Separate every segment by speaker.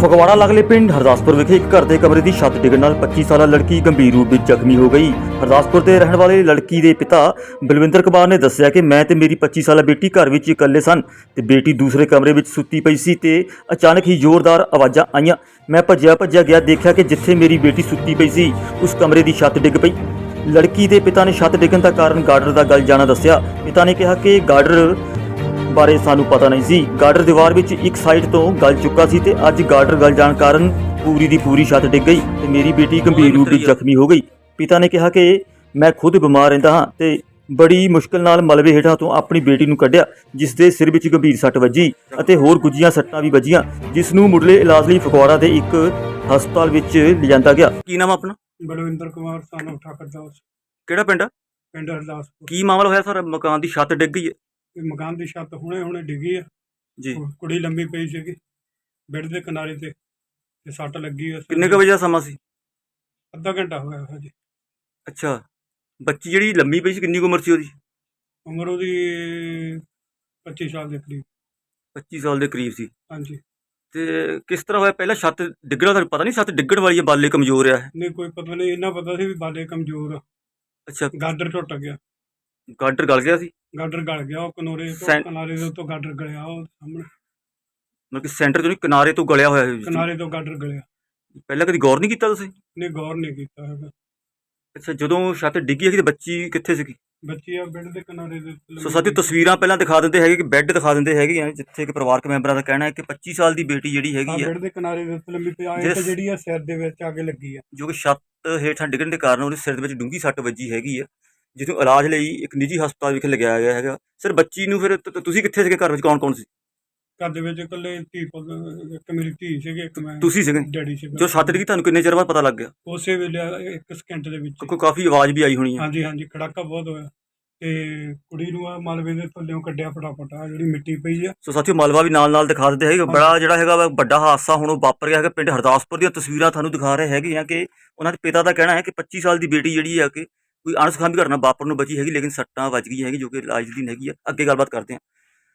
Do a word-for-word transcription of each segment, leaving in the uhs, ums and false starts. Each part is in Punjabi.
Speaker 1: ਫਗਵਾੜਾ ਲਾਗਲੇ ਪਿੰਡ ਹਰਦਾਸਪੁਰ ਵਿਖੇ ਇੱਕ ਘਰ ਦੇ ਕਮਰੇ ਦੀ ਛੱਤ ਡਿੱਗਣ ਨਾਲ ਪੱਚੀ ਸਾਲਾ ਲੜਕੀ ਗੰਭੀਰ ਰੂਪ ਵਿੱਚ ਜ਼ਖਮੀ ਹੋ ਗਈ। ਹਰਦਾਸਪੁਰ ਦੇ ਰਹਿਣ ਵਾਲੇ ਲੜਕੀ ਦੇ ਪਿਤਾ ਬਲਵਿੰਦਰ ਕੁਮਾਰ ਨੇ ਦੱਸਿਆ ਕਿ ਮੈਂ ਤੇ ਮੇਰੀ ਪੱਚੀ ਸਾਲਾ ਬੇਟੀ ਘਰ ਵਿੱਚ ਇਕੱਲੇ ਸਨ ਤੇ ਬੇਟੀ ਦੂਸਰੇ ਕਮਰੇ ਵਿੱਚ ਸੁੱਤੀ ਪਈ ਸੀ ਤੇ ਅਚਾਨਕ ਹੀ ਜ਼ੋਰਦਾਰ ਆਵਾਜ਼ਾਂ ਆਈਆਂ। ਮੈਂ ਭੱਜਿਆ ਭੱਜਿਆ ਗਿਆ, ਦੇਖਿਆ ਕਿ ਜਿੱਥੇ ਮੇਰੀ ਬੇਟੀ ਸੁੱਤੀ ਪਈ ਸੀ ਉਸ ਕਮਰੇ ਦੀ ਛੱਤ ਡਿੱਗ ਪਈ। ਲੜਕੀ ਦੇ ਪਿਤਾ ਨੇ ਛੱਤ ਡਿੱਗਣ ਦਾ ਕਾਰਨ ਗਾਰਡਰ ਦਾ ਗਲ ਜਾਣਾ ਦੱਸਿਆ। ਪਿਤਾ ਨੇ ਕਿਹਾ ਕਿ ਗਾਰਡਰ ਬਾਰੇ ਸਾਨੂੰ ਪਤਾ ਨਹੀਂ ਸੀ। ਗਾਰਡਰ ਦੀਵਾਰ ਵਿੱਚ ਇੱਕ ਸਾਈਡ ਤੋਂ ਗਲ ਚੁੱਕਾ ਸੀ ਤੇ ਅੱਜ ਗਾਰਡਰ ਗਲ ਜਾਣ ਕਾਰਨ ਪੂਰੀ ਦੀ ਪੂਰੀ ਛੱਤ ਡਿੱਗ ਗਈ ਤੇ ਮੇਰੀ ਬੇਟੀ ਗੰਭੀਰ ਰੂਪ ਵਿੱਚ ਜ਼ਖਮੀ ਹੋ ਗਈ। ਪਿਤਾ ਨੇ ਕਿਹਾ ਕਿ ਮੈਂ ਖੁਦ ਬਿਮਾਰ ਰਹਿੰਦਾ ਹਾਂ ਤੇ ਬੜੀ ਮੁਸ਼ਕਲ ਨਾਲ ਮਲਬੇ ਹੇਠਾਂ ਤੋਂ ਆਪਣੀ ਬੇਟੀ ਨੂੰ ਕੱਢਿਆ, ਜਿਸ ਦੇ ਸਿਰ ਵਿੱਚ ਗੰਭੀਰ ਸੱਟ ਵੱਜੀ ਅਤੇ ਹੋਰ ਗੁੱਝੀਆਂ ਸੱਟਾਂ ਵੀ ਵੱਜੀਆਂ, ਜਿਸ ਨੂੰ ਮੁੱਢਲੇ ਇਲਾਜ ਲਈ ਫਗਵਾੜਾ ਦੇ ਇੱਕ ਹਸਪਤਾਲ ਵਿੱਚ ਲਿਜਾਂਦਾ ਗਿਆ। ਕੀ ਨਾਮ ਆਪਣਾ?
Speaker 2: ਬਲਵਿੰਦਰ ਕੁਮਾਰ ਸਾਨੂੰ ਠਾਕਰ ਦਾਸ,
Speaker 1: ਕਿਹੜਾ ਪਿੰਡ ਆ?
Speaker 2: ਪਿੰਡ ਹਰਦਾਸਪੁਰ।
Speaker 1: ਕੀ ਮਾਮਲਾ ਹੋਇਆ ਸਰ? ਮਕਾਨ ਦੀ ਛੱਤ ਡਿੱਗ ਗਈ ਹੈ
Speaker 2: ਇਹ ਮਕਾਨ ਦੀ ਛੱਤ ਹੁਣੇ ਹੁਣੇ ਡਿੱਗੀ ਆ
Speaker 1: ਜੀ।
Speaker 2: ਕੁ- ਕੁੜੀ ਲੰਮੀ ਪਈ ਸੀਗੀ ਬੈੱਡ ਦੇ ਕਿਨਾਰੇ ਤੇ ਤੇ ਸੱਟ ਲੱਗੀ ਆ।
Speaker 1: ਕਿੰਨੇ ਕੁ ਵਜੇ ਦਾ ਸਮਾਂ ਸੀ?
Speaker 2: ਅੱਧਾ ਘੰਟਾ ਹੋਇਆ ਹਜੇ।
Speaker 1: ਅੱਛਾ, ਬੱਚੀ ਜਿਹੜੀ ਲੰਮੀ ਪਈ ਸੀ ਕਿੰਨੀ ਕੁ ਉਮਰ ਸੀ ਉਹਦੀ?
Speaker 2: ਉਮਰ ਉਹਦੀ ਪੱਚੀ ਸਾਲ ਦੇ ਕਰੀਬ।
Speaker 1: ਪੱਚੀ ਸਾਲ ਦੇ ਕਰੀਬ ਸੀ।
Speaker 2: ਹਾਂਜੀ,
Speaker 1: ਤੇ ਕਿਸ ਤਰ੍ਹਾਂ ਹੋਇਆ? ਪਹਿਲਾਂ ਛੱਤ ਡਿੱਗਣਾ ਤੁਹਾਨੂੰ ਪਤਾ ਨਹੀਂ? ਛੱਤ ਡਿੱਗਣ ਵਾਲੀ ਹੈ, ਬਾਲੇ ਕਮਜ਼ੋਰ ਆ।
Speaker 2: ਨਹੀਂ ਕੋਈ ਪਤਾ ਨਹੀਂ, ਇੰਨਾ ਪਤਾ ਸੀ ਵੀ ਬਾਲੇ ਕਮਜ਼ੋਰ ਆ।
Speaker 1: ਅੱਛਾ,
Speaker 2: ਗਾਡਰ ਟੁੱਟ ਗਿਆ,
Speaker 1: ਗਾਡਰ ਗਲ ਗਿਆ ਸੀ।
Speaker 2: ਗਾਡਰ ਗਲ ਗਿਆ। ਉਹ ਕਿਨਾਰੇ ਤੋਂ
Speaker 1: ਸੈਂ-
Speaker 2: ਕਿਨਾਰੇ ਦੇ ਉੱਤੋਂ ਗਾਡਰ ਗਲਿਆ। ਉਹ ਸਾਹਮਣੇ
Speaker 1: ਮਤਲਬ ਕਿ ਸੈਂਟਰ ਤੋਂ ਨਹੀਂ, ਕਿਨਾਰੇ ਤੋਂ ਗਲਿਆ ਹੋਇਆ ਹੈ।
Speaker 2: ਕਿਨਾਰੇ ਤੋਂ ਗਾਡਰ ਗਲਿਆ।
Speaker 1: ਪਹਿਲਾਂ ਕਦੀ ਗੌਰ ਨਹੀਂ ਕੀਤਾ ਤੁਸੀਂ?
Speaker 2: ਨਹੀਂ ਗੌਰ ਨਹੀਂ ਕੀਤਾ ਹੈਗਾ।
Speaker 1: ਅੱਛਾ, ਜਦੋਂ ਛੱਤ ਡਿੱਗੀ ਹੈਗੀ ਤੇ ਬੱਚੀ ਕਿੱਥੇ ਸੀਗੀ?
Speaker 2: ਬੱਚੀ ਆ ਬੈੱਡ ਦੇ ਕਿਨਾਰੇ ਦੇ ਉੱਤੇ
Speaker 1: ਸੋ
Speaker 2: ਲੰਮੀ
Speaker 1: ਸਾਥੀ ਤਸਵੀਰਾਂ ਪਹਿਲਾਂ ਦਿਖਾ ਦਿੰਦੇ ਹੈਗੇ ਕਿ ਬੈੱਡ ਦਿਖਾ ਦਿੰਦੇ ਹੈਗੇ ਆ, ਜਿੱਥੇ ਕਿ ਪਰਿਵਾਰਕ ਮੈਂਬਰਾਂ ਦਾ ਕਹਿਣਾ ਹੈ ਕਿ ਪੱਚੀ ਸਾਲ ਦੀ ਬੇਟੀ ਜਿਹੜੀ
Speaker 2: ਹਾਂ,
Speaker 1: ਹੈਗੀ ਆ,
Speaker 2: ਬੈੱਡ ਦੇ ਕਿਨਾਰੇ ਦੇ ਉੱਤੇ ਲੰਮੀ ਪਈ ਆ।
Speaker 1: ਜਿਸ-
Speaker 2: ਇੱਕ ਜਿਹੜੀ ਆ ਸਿਰ ਦੇ ਵਿੱਚ ਆ ਕੇ ਲੱਗੀ ਆ।
Speaker 1: ਜੋ ਕਿ ਛੱਤ ਹੇਠਾਂ ਡਿੱਗਣ ਦੇ ਕਾਰਨ ਉਹਦੇ ਸਿਰ ਦੇ ਵਿੱਚ ਡੂੰਘੀ ਸੱਟ ਵੱਜੀ ਹੈਗੀ ਆ, ਜਿਸ ਨੂੰ ਇਲਾਜ ਲਈ ਇੱਕ ਨਿੱਜੀ ਹਸਪਤਾਲ ਵਿਖੇ ਲਗਾਇਆ ਗਿਆ ਹੈਗਾ। ਸਰ, ਬੱਚੀ ਨੂੰ ਫਿਰ ਤ- ਤੁਸੀਂ ਕਿੱਥੇ ਸੀਗੇ? ਘਰ ਵਿੱਚ ਕੌਣ ਕੌਣ ਸੀ?
Speaker 2: ਘਰ ਦੇ ਵਿੱਚ ਇਕੱਲੇ ਧੀ ਪੁੱਤ, ਇੱਕ ਮੇਰੀ ਧੀ ਸੀਗੀ, ਇੱਕ ਮੈਂ
Speaker 1: ਤੁਸੀਂ ਸੀਗੇ?
Speaker 2: ਡੈਡੀ ਸੀਗਾ।
Speaker 1: ਜੋ ਛੱਤ ਡਿੱਗੀ ਤੁਹਾਨੂੰ ਕਿੰਨੇ ਚਿਰ ਬਾਅਦ ਪਤਾ ਲੱਗ ਗਿਆ?
Speaker 2: ਉਸੇ ਵੇਲੇ ਇੱਕ ਸਕਿੰਟ ਦੇ ਵਿੱਚ।
Speaker 1: ਕਿਉਂਕਿ ਕਾਫੀ ਆਵਾਜ਼ ਵੀ ਆਈ ਹੋਣੀ ਹੈ।
Speaker 2: ਹਾਂਜੀ ਹਾਂਜੀ, ਖੜਾਕਾ ਬਹੁਤ ਹੋਇਆ ਤੇ ਕੁੜੀ ਨੂੰ ਆ ਮਲਬੇ ਦੇ ਥੱਲੇੋਂ ਕੱਢਿਆ ਫਟਾਫਟ। ਆ ਜਿਹੜੀ ਮਿੱਟੀ ਪਈ ਆ।
Speaker 1: ਸੋ ਸਾਥੀਓ, ਮਲਬਾ ਵੀ ਨਾਲ ਨਾਲ ਦਿਖਾ ਦਿੰਦੇ ਹੈਗੇ। ਬੜਾ ਜਿਹੜਾ ਹੈਗਾ ਵਾ ਵੱਡਾ ਹਾਦਸਾ ਹੁਣ ਉਹ ਵਾਪਰ ਗਿਆ ਹੈਗਾ। ਪਿੰਡ ਹਰਦਾਸਪੁਰ ਦੀਆਂ ਤਸਵੀਰਾਂ ਤੁਹਾਨੂੰ ਦਿਖਾ ਰਹੇ ਹੈਗੇ ਆ ਕਿ ਉਹਨਾਂ ਦੇ ਪਿਤਾ ਦਾ ਕਹਿਣਾ ਹੈ ਕਿ ਪੱਚੀ ਸਾਲ ਦੀ ਬੇਟੀ ਜਿਹੜੀ ਆ ਕਿ ਕੋਈ ਅਣਸੁਖਾਵੀ ਘਟਨਾ ਵਾਪਰਨ ਨੂੰ ਬਚੀ ਹੈਗੀ, ਲੇਕਿਨ ਸੱਟਾਂ ਵੱਜ ਗਈਆਂ ਹੈਗੀ ਜੋ ਕਿ ਇਲਾਜ ਦੀ ਹੈਗੀ ਆ। ਅੱਗੇ ਗੱਲਬਾਤ ਕਰਦੇ ਹਾਂ।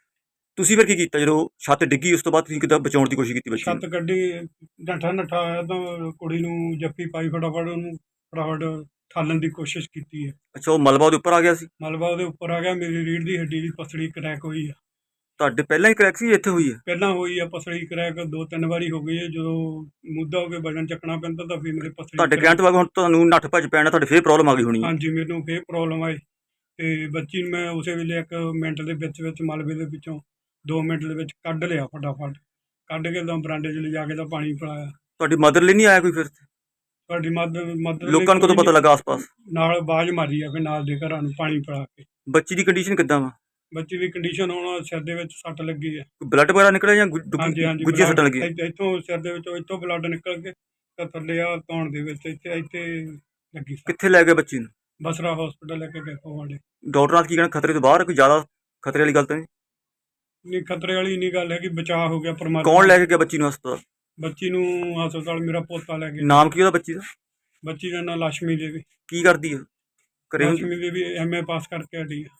Speaker 1: ਤੁਸੀਂ ਫਿਰ ਕੀ ਕੀਤਾ ਜਦੋਂ ਛੱਤ ਡਿੱਗੀ? ਉਸ ਤੋਂ ਬਾਅਦ ਤੁਸੀਂ ਕਿੱਦਾਂ ਬਚਾਉਣ ਦੀ ਕੋਸ਼ਿਸ਼ ਕੀਤੀ ਬੱਚੀ ਨੂੰ?
Speaker 2: ਛੱਤ ਕੱਢੀ, ਨੱਠਾ ਨੱਠਾ ਆਇਆ ਤਾਂ ਕੁੜੀ ਨੂੰ ਜੱਫੀ ਪਾਈ, ਫਟਾਫਟ ਉਹਨੂੰ ਫਟਾਫਟ ਠਾਲਣ ਦੀ ਕੋਸ਼ਿਸ਼ ਕੀਤੀ ਹੈ।
Speaker 1: ਅੱਛਾ, ਉਹ ਮਲਬਾ ਉਹਦੇ ਉੱਪਰ ਆ ਗਿਆ ਸੀ?
Speaker 2: ਮਲਬਾ ਉਹਦੇ ਉੱਪਰ ਆ ਗਿਆ। ਮੇਰੀ ਰੀੜ੍ਹ ਦੀ ਹੱਡੀ ਦੀ ਪਸਲੀ ਕਰੈਕ ਹੋਈ ਆ।
Speaker 1: ਤੁਹਾਡੇ ਪਹਿਲਾਂ ਹੀ ਕਰੈਕ ਸੀ? ਇੱਥੇ ਹੋਈ ਹੈ?
Speaker 2: ਪਹਿਲਾਂ ਹੋਈ ਆ ਪਸਲੀ ਕਰੈਕ, ਦੋ ਤਿੰਨ ਵਾਰੀ ਹੋ ਗਈ ਹੈ। ਜਦੋਂ ਮੁੱਦਾ ਹੋ ਕੇ ਵਜਨ ਚੱਕਣਾ ਪੈਂਦਾ ਤਾਂ ਫਿਰ ਮੇਰੇ ਪਸਲੀ
Speaker 1: ਤੁਹਾਡੇ
Speaker 2: crack-
Speaker 1: ਕਹਿਣ ਤੋਂ ਬਾਅਦ ਹੁਣ ਤੁਹਾਨੂੰ ਨੱਠ ਭੱਜ ਪੈਣਾ, ਤੁਹਾਡੇ ਫੇਰ ਪ੍ਰੋਬਲਮ ਆ ਗਈ ਹੋਣੀ ਹੈ।
Speaker 2: ਹਾਂਜੀ, ਮੈਨੂੰ ਫੇਰ ਪ੍ਰੋਬਲਮ ਆਈ ਤੇ ਬੱਚੀ ਨੂੰ ਮੈਂ ਉਸੇ ਵੇਲੇ ਇੱਕ ਮਿੰਟ ਦੇ ਵਿੱਚ ਵਿੱਚ ਮਲਬੇ ਦੇ ਵਿੱਚੋਂ ਦੋ ਮਿੰਟ ਦੇ ਵਿੱਚ ਕੱਢ ਲਿਆ। ਫਟਾਫਟ ਕੱਢ ਕੇ ਤਾਂ ਬਰਾਂਡੇ 'ਚ ਲਿਜਾ ਕੇ ਤਾਂ ਪਾਣੀ ਪਿਲਾਇਆ।
Speaker 1: ਤੁਹਾਡੀ ਮਦਰ ਲਈ ਨਹੀਂ ਆਇਆ ਕੋਈ ਫਿਰ?
Speaker 2: ਤੁਹਾਡੀ ਮਦਦ ਮਦਦ
Speaker 1: ਲੋਕਾਂ ਨੂੰ ਕਦੋਂ ਪਤਾ ਲੱਗਾ ਆਸ-ਪਾਸ?
Speaker 2: ਨਾਲ ਆਵਾਜ਼ ਮਾਰੀ ਆ ਫਿਰ ਨਾਲ ਦੇ ਘਰਾਂ ਨੂੰ ਪਾਣੀ ਪਿਲਾ ਕੇ।
Speaker 1: ਬੱਚੀ ਦੀ ਕੰਡੀਸ਼ਨ ਕਿੱਦਾਂ ਵਾ?
Speaker 2: ਬੱਚੀ ਦੀ ਕੰਡੀਸ਼ਨ ਹੁਣ ਸਿਰ ਦੇ ਵਿੱਚ ਸੱਟ ਲੱਗੀ ਹੈ।
Speaker 1: ਕੋਈ ਬਲੱਡ ਵਗੈਰਾ ਨਿਕਲਿਆ ਜਾਂ ਗੁ-
Speaker 2: ਹਾਂਜੀ
Speaker 1: ਡੁੱਗੀ-
Speaker 2: ਹਾਂਜੀ,
Speaker 1: ਗੁੱਝੀਆਂ ਸੱਟਾਂ
Speaker 2: blood
Speaker 1: ਲੱਗੀਆਂ?
Speaker 2: ਇੱਥ- ਇੱਥੋਂ ਸਿਰ ਦੇ ਵਿੱਚੋਂ ਇੱਥੋਂ ਬਲੱਡ ਨਿਕਲ ਕੇ ਤਾਂ ਥੱਲੇ ਆ ਧੌਣ ਦੇ ਵਿੱਚ ਇੱਥੇ ਇੱਥੇ ਲੱਗੀ ਸੱਟ।
Speaker 1: ਕਿੱਥੇ ਲੈ ਗਏ ਬੱਚੀ ਨੂੰ?
Speaker 2: ਬਸਰਾ ਹਸਪੀਟਲ ਲੈ ਕੇ ਗਏ ਫਗਵਾੜੇ।
Speaker 1: ਡਾਕਟਰਾਂ ਦਾ ਕੀ ਕਹਿਣਾ? ਖਤਰੇ ਤੋਂ ਬਾਹਰ ਹੈ? ਕੋਈ ਜ਼ਿਆਦਾ ਖਤਰੇ ਵਾਲੀ ਗੱਲ ਤਾਂ ਨਹੀਂ?
Speaker 2: ਨਹੀਂ ਖਤਰੇ ਵਾਲੀ ਨਹੀਂ ਗੱਲ ਹੈ ਕਿ ਬਚਾਅ ਹੋ ਗਿਆ ਪਰਮਾਤਮਾ।
Speaker 1: ਕੌਣ ਲੈ ਕੇ ਗਿਆ ਬੱਚੀ ਨੂੰ ਹਸਪਤਾਲ?
Speaker 2: ਬੱਚੀ ਨੂੰ ਹਸਪਤਾਲ ਮੇਰਾ ਪੋਤਾ ਲੈ ਗਿਆ।
Speaker 1: ਨਾਮ ਕੀ ਉਹਦਾ ਬੱਚੀ ਦਾ?
Speaker 2: ਬੱਚੀ ਦਾ ਨਾਂ ਲక్ష్ਮੀ ਦੇਵੀ।
Speaker 1: ਕੀ ਕਰਦੀ ਹੈ? ਘਰੇ ਹੁੰਦੀ?
Speaker 2: ਲక్ష్ਮੀ ਦੇਵੀ ਐਮ ਏ ਪਾਸ ਕਰਕੇ ਹਟੀ ਹੈ।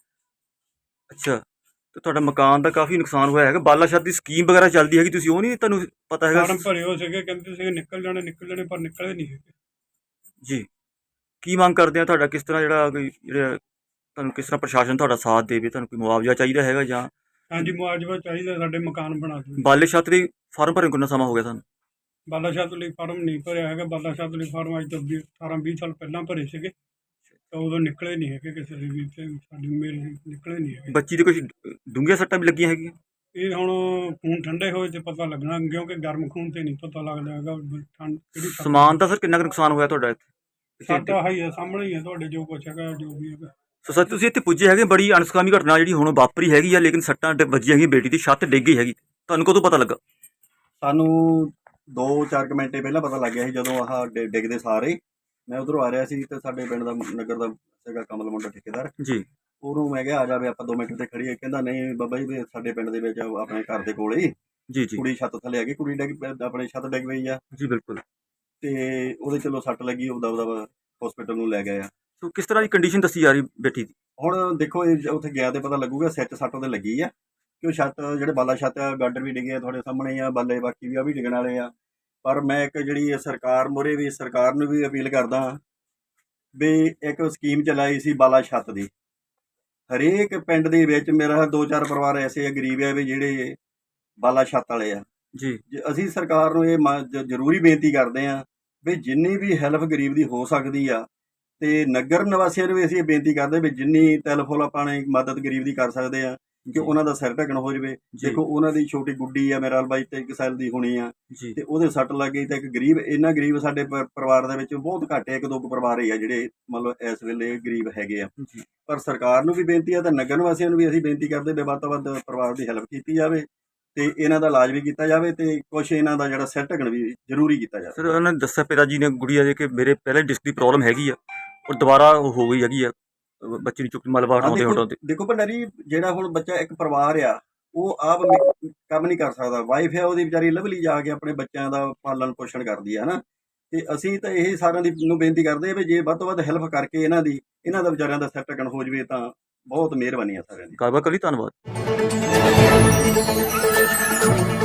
Speaker 1: ਅੱਛਾ, ਤੇ ਤੁਹਾਡਾ ਮਕਾਨ ਦਾ ਕਾਫੀ ਨੁਕਸਾਨ ਹੋਇਆ ਹੈਗਾ। ਬਾਲਾ ਛੱਤ ਦੀ ਸਕੀਮ ਵਗੈਰਾ ਚੱਲਦੀ ਹੈਗੀ, ਤੁਸੀਂ ਉਹ ਨਹੀਂ ਤੁਹਾਨੂੰ ਪਤਾ ਹੈਗਾ?
Speaker 2: ਫਾਰਮ ਭਰੇ ਹੋ ਸੀਗੇ, ਕਹਿੰਦੇ ਸੀਗੇ ਨਿਕਲ ਜਾਣੇ ਨਿਕਲ ਜਾਣੇ, ਪਰ ਨਿਕਲੇ ਨਹੀਂ ਹੈਗੇ।
Speaker 1: ਜੀ, ਕੀ ਮੰਗ ਕਰਦੇ ਆ? ਤੁਹਾਡਾ ਕਿਸ ਤਰ੍ਹਾਂ ਜਿਹੜਾ ਕੋਈ ਜਿਹੜਾ ਤੁਹਾਨੂੰ ਕਿਸ ਤਰ੍ਹਾਂ ਪ੍ਰਸ਼ਾਸਨ ਤੁਹਾਡਾ ਸਾਥ ਦੇਵੇ? ਤੁਹਾਨੂੰ ਕੋਈ ਮੁਆਵਜ਼ਾ ਚਾਹੀਦਾ ਹੈਗਾ ਜਾਂ
Speaker 2: ਹਾਂਜੀ, ਮੁਆਵਜ਼ਾ ਚਾਹੀਦਾ, ਸਾਡੇ ਮਕਾਨ ਬਣਾ ਦਿਓ।
Speaker 1: ਬਾਲੇ ਛੱਤ ਦੀ ਫਾਰਮ ਭਰਨ ਨੂੰ ਕਿੰਨਾ ਸਮਾਂ ਹੋ ਗਿਆ ਤੁਹਾਨੂੰ?
Speaker 2: ਬਾਲਾ ਛੱਤ ਲਈ ਫਾਰਮ ਨਹੀਂ ਭਰਿਆ ਹੈਗਾ। ਬਾਲਾ ਛੱਤ ਲਈ ਫਾਰਮ ਅੱਜ ਤੋਂ ਵੀਹ ਅਠਾਰਾਂ ਵੀਹ ਸਾਲ ਪਹਿਲਾਂ ਭਰੇ ਸੀਗੇ ਤਾਂ ਉਦੋਂ ਨਿਕਲੇ ਨਹੀਂ ਹੈਗੇ ਕਿਸੇ ਦੇ ਵੀ, ਤੇ ਸਾਡੀ ਮੇਰੇ ਨਿਕਲੇ ਨਹੀਂ ਹੈਗੇ।
Speaker 1: ਬੱਚੀ ਦੇ ਕੁਝ ਡੂੰਘੀਆਂ ਸੱਟਾਂ ਵੀ ਲੱਗੀਆਂ ਹੈਗੀਆਂ?
Speaker 2: ਇਹ ਹੁਣ ਖੂਨ ਠੰਡੇ ਹੋਏ ਤੇ ਪਤਾ ਲੱਗਣਾ, ਕਿਉਂਕਿ ਗਰਮ ਖੂਨ ਤੇ ਨਹੀਂ ਪਤਾ ਲੱਗਦਾ ਹੈਗਾ ਵੀ ਠੰਡ ਕਿਹੜੀ ਸੱਟ-
Speaker 1: ਸਮਾਨ ਦਾ ਸਰ ਕਿੰਨਾ ਕੁ ਨੁਕਸਾਨ ਹੋਇਆ ਤੁਹਾਡਾ ਇੱਥੇ?
Speaker 2: ਸਾਡਾ ਹਾਈ ਹੈ, ਸਾਹਮਣੇ ਹੀ ਹੈ ਤੁਹਾਡੇ, ਜੋ ਕੁਛ ਹੈਗਾ ਜੋ ਵੀ ਹੈਗਾ।
Speaker 1: ਸੋ ਸਰ, ਤੁਸੀਂ ਇੱਥੇ ਪੁੱਜੇ ਹੈਗੇ, ਬੜੀ ਅਣਸੁਖਾਵੀ ਘਟਨਾ ਜਿਹੜੀ ਹੁਣ ਵਾਪਰੀ ਹੈਗੀ ਆ, ਲੇਕਿਨ ਸੱਟਾਂ ਡ- ਵੱਜੀਆਂ ਹੈਗੀਆਂ, ਬੇਟੀ ਦੀ ਛੱਤ ਡਿੱਗ ਗਈ ਹੈਗੀ। ਤੁਹਾਨੂੰ ਕਦੋਂ ਪਤਾ ਲੱਗਾ?
Speaker 3: ਸਾਨੂੰ ਦੋ ਚਾਰ ਕੁ ਮਿੰਟ ਪਹਿਲਾਂ ਪਤਾ ਲੱਗ ਗਿਆ ਸੀ, ਜਦੋਂ ਆਹ ਡਿ- ਡਿੱਗਦੇ ਸਾਰੇ ਮੈਂ ਉਧਰੋਂ ਆ ਰਿਹਾ ਸੀ ਤੇ ਸਾਡੇ ਪਿੰਡ ਦਾ ਨਗਰ ਦਾ ਸੀਗਾ ਕਮਲ ਮੁੰਡਾ ਠੇਕੇਦਾਰ,
Speaker 1: ਜੀ
Speaker 3: ਉਹਨੂੰ ਮੈਂ ਕਿਹਾ ਆ ਜਾਵੇ ਆਪਾਂ ਦੋ ਮਿੰਟ ਤੇ ਖੜੀਏ। ਕਹਿੰਦਾ ਨਹੀਂ ਬਾਬਾ ਜੀ ਵੀ ਸਾਡੇ ਪਿੰਡ ਦੇ ਵਿੱਚ ਆਪਣੇ ਘਰ ਦੇ ਕੋਲ ਹੀ
Speaker 1: ਜੀ ਜੀ
Speaker 3: ਕੁੜੀ ਛੱਤ ਥੱਲੇ ਆ ਗਈ, ਕੁੜੀ ਡਿੱਗ ਪੈ- ਆਪਣੇ ਛੱਤ ਡਿੱਗ ਪਈ ਆ
Speaker 1: ਜੀ ਬਿਲਕੁਲ।
Speaker 3: ਤੇ ਉਹਦੇ ਚਲੋ ਸੱਟ ਲੱਗੀ, ਉਹਦਾ ਉਹਦਾ ਹਸਪੀਟਲ ਨੂੰ ਲੈ ਗਏ ਆ।
Speaker 1: ਸੋ ਕਿਸ ਤਰ੍ਹਾਂ ਦੀ ਕੰਡੀਸ਼ਨ ਦੱਸੀ ਜਾ ਰਹੀ ਬੇਟੀ ਦੀ?
Speaker 3: ਹੁਣ ਦੇਖੋ ਇਹ ਉੱਥੇ ਗਿਆ ਤੇ ਪਤਾ ਲੱਗੂਗਾ, ਸਿਰ 'ਚ ਸੱਟ ਉਹਦੇ ਲੱਗੀ ਆ ਕਿ ਉਹ ਛੱਤ ਜਿਹੜੇ ਬਾਲਾ ਛੱਤ ਆ, ਗਾਡਰ ਵੀ ਡਿੱਗੇ ਆ ਤੁਹਾਡੇ ਸਾਹਮਣੇ ਆ, ਬਾਲੇ ਬਾਕੀ ਵੀ ਆ ਵੀ ਡਿੱਗਣ ਵਾਲੇ ਆ। ਪਰ ਮੈਂ ਇੱਕ ਜਿਹੜੀ ਇਹ ਸਰਕਾਰ ਮੂਹਰੇ ਵੀ ਸਰਕਾਰ ਨੂੰ ਵੀ ਅਪੀਲ ਕਰਦਾ ਹਾਂ ਵੀ ਇੱਕ ਸਕੀਮ ਚਲਾਈ ਸੀ ਬਾਲਾ ਛੱਤ ਦੀ। ਹਰੇਕ ਪਿੰਡ ਦੇ ਵਿੱਚ ਮੇਰਾ ਦੋ ਚਾਰ ਪਰਿਵਾਰ ਐਸੇ ਆ ਗਰੀਬ ਆ ਵੀ ਜਿਹੜੇ ਬਾਲਾ ਛੱਤ ਵਾਲੇ ਆ
Speaker 1: ਜੀ
Speaker 3: ਜੇ ਅਸੀਂ ਸਰਕਾਰ ਨੂੰ ਇਹ ਮ- ਜ- ਜ਼ਰੂਰੀ ਬੇਨਤੀ ਕਰਦੇ ਹਾਂ ਵੀ ਜਿੰਨੀ ਵੀ ਹੈਲਪ ਗਰੀਬ ਦੀ ਹੋ ਸਕਦੀ ਆ ਤੇ ਨਗਰ ਨਿਵਾਸੀਆਂ ਨੂੰ ਵੀ ਅਸੀਂ ਇਹ ਬੇਨਤੀ ਕਰਦੇ ਵੀ ਜਿੰਨੀ ਤਿਲ-ਫੁੱਲ ਆਪਾਂ ਨੇ ਮਦਦ ਗਰੀਬ ਦੀ ਕਰ ਸਕਦੇ ਆ ਕਿ ਉਹਨਾਂ ਦਾ ਸਿਰ ਢੱਕਣ ਹੋ ਜਾਵੇ।
Speaker 1: ਜੀ।
Speaker 3: ਦੇਖੋ ਉਹਨਾਂ ਦੀ ਛੋਟੀ ਗੁੱਡੀ ਆ ਮੇਰਾ ਬਾਈ ਤੇ ਇੱਕ ਸਾਲ ਦੀ ਹੋਣੀ ਆ
Speaker 1: ਜੀ
Speaker 3: ਤੇ ਉਹਦੇ ਸੱਟ ਲੱਗ ਗਈ ਤੇ ਇੱਕ ਗਰੀਬ ਇੰਨਾ ਗਰੀਬ ਸਾਡੇ ਪ- ਪਰਿਵਾਰ ਦੇ ਵਿੱਚ ਬਹੁਤ ਘੱਟ ਹੈ, ਇੱਕ ਦੋ ਕੁ ਪਰਿਵਾਰ ਹੀ ਆ ਜਿਹੜੇ ਮਤਲਬ ਇਸ ਵੇਲੇ ਗਰੀਬ ਹੈਗੇ ਆ।
Speaker 1: ਜੀ
Speaker 3: ਪਰ ਸਰਕਾਰ ਨੂੰ ਵੀ ਬੇਨਤੀ ਆ ਤੇ ਨਗਰ ਨਿਵਾਸੀਆਂ ਨੂੰ ਵੀ ਅਸੀਂ ਬੇਨਤੀ ਕਰਦੇ ਵੀ ਵੱਧ ਤੋਂ ਵੱਧ ਪਰਿਵਾਰ ਦੀ ਹੈਲਪ ਕੀਤੀ ਜਾਵੇ ਤੇ ਇਹਨਾਂ ਦਾ ਇਲਾਜ ਵੀ ਕੀਤਾ ਜਾਵੇ ਤੇ ਕੁਛ ਇਹਨਾਂ ਦਾ ਜਿਹੜਾ ਸਿਰ ਢੱਕਣ ਵੀ ਜ਼ਰੂਰੀ ਕੀਤਾ ਜਾਵੇ।
Speaker 1: ਸਰ ਉਹਨਾਂ ਨੇ ਦੱਸਿਆ ਪਿਤਾ ਜੀ ਨੇ ਗੁੜੀਆ ਦੇ ਕਿ ਮੇਰੇ ਪਹਿਲੇ ਡਿਸਕ ਦੀ ਪ੍ਰੋਬਲਮ ਹੈਗੀ ਆ ਔਰ ਦੁਬਾਰਾ ਉਹ ਹੋ ਗਈ ਹੈਗੀ ਆ ਅਹ ਬੱਚੇ ਨੂੰ ਚੁੱਕ ਮਲਬਾ
Speaker 3: ਹਾਂ,
Speaker 1: ਹਟਾਉਂਦੇ
Speaker 3: ਦੇਖੋ
Speaker 1: ਹਟਾਉਂਦੇ
Speaker 3: ਦੇਖੋ ਭੰਡਾਰੀ ਜਿਹੜਾ ਹੁਣ ਬੱਚਾ ਇੱਕ ਪਰਿਵਾਰ ਆ ਉਹ ਆਪ ਮ- ਕੰਮ ਨਹੀਂ ਕਰ ਸਕਦਾ। ਵਾਈਫ ਆ ਉਹਦੀ ਵਿਚਾਰੀ ਲਵਲੀ ਜਾ ਕੇ ਆਪਣੇ ਬੱਚਿਆਂ ਦਾ ਪਾਲਣ ਪੋਸ਼ਣ ਕਰਦੀ ਹੈ ਨਾ ਤੇ ਅਸੀਂ ਤਾਂ ਇਹ ਸਾਰਿਆਂ ਦੀ ਨੂੰ ਬੇਨਤੀ ਕਰਦੇ ਆ ਵੀ ਜੇ ਵੱਧ ਤੋਂ ਵੱਧ ਹੈਲਪ ਕਰਕੇ ਇਹਨਾਂ ਦੀ ਇਹਨਾਂ ਦਾ ਵਿਚਾਰਿਆਂ ਦਾ ਸਿਰ ਢੱਕਣ ਹੋ ਜਵੇ ਤਾਂ ਬਹੁਤ ਮਿਹਰਬਾਨੀ ਆ ਸਾਰਿਆਂ ਦੀ।
Speaker 1: ਗੱਲਬਾਤ ਕਰੀ ਧੰਨਵਾਦ।